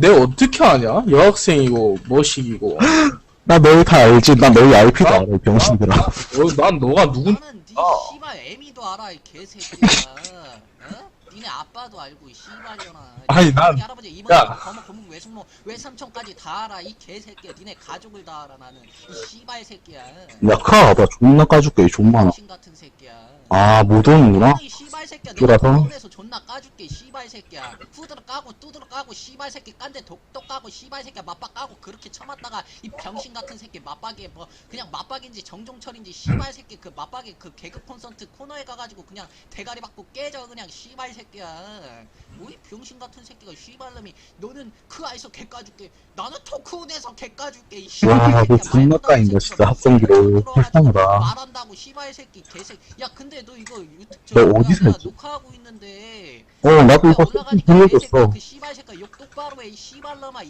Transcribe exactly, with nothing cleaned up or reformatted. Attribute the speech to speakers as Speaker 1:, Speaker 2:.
Speaker 1: 내가 어떻게 아냐? 여학생이고 뭐식이고.
Speaker 2: 나 너희 다 알지? 나 너희 아이피도
Speaker 1: 나-
Speaker 2: 알아, 이 병신들아.
Speaker 1: 어, 난 너가 누군?
Speaker 3: 나는 니
Speaker 1: 아.
Speaker 3: 씨발 애미도 알아 이 개새끼야. 어? 니네 아빠도 알고 이 씨발년아.
Speaker 1: 아니, 난-
Speaker 3: 할아버지 이모님
Speaker 1: 야.
Speaker 3: 거모 고모 외숙모 외삼촌까지 다 알아 이 개새끼야. 니네 가족을 다 알아 나는 이 씨발 새끼야.
Speaker 2: 야, 카, 봐. 존나 까줄게, 존 많아.
Speaker 3: 신 같은 새끼야.
Speaker 2: 아, 못 오는구나?
Speaker 3: 이 씨발 새끼야.
Speaker 2: 쫄아서?
Speaker 3: 내가 서울에서 존나 까줄게 이 씨발 새끼야. 후드러 까고 뚜드러 까고 씨발 새끼 깐데 독독 까고 씨발 새끼야 맞박 까고 그렇게 쳐맞다가 이 병신 같은 새끼 맞박에 뭐 그냥 맞박인지 정종철인지 씨발 새끼 그 맞박에 그 개그 콘서트 코너에 가가지고 그냥 대가리 받고 깨져 그냥 씨발 새끼야. 뭐 이 병신 같은 새끼가 씨발놈이 너는 그 아이서 개 까줄게. 나는 토크온에서 개 까줄게 이 씨발
Speaker 2: 와,
Speaker 3: 새끼야.
Speaker 2: 너 존나
Speaker 3: 말도 안
Speaker 2: 까인다,
Speaker 3: 되는
Speaker 2: 진짜,
Speaker 3: 새끼야.
Speaker 2: 합성기로. 불쌍하다.
Speaker 3: 말한다고 씨발 새끼 개새. 야 근데 너 이거 유튜브 저
Speaker 2: 너
Speaker 3: 뭐야,
Speaker 2: 어디서
Speaker 3: 내가
Speaker 2: 했지?
Speaker 3: 녹화하고 있는데
Speaker 2: 어, 나도 이거
Speaker 3: 올라가니까
Speaker 2: 보여줬어.
Speaker 3: 그 씨발 새끼 욕 똑바로 해 이 씨발놈아.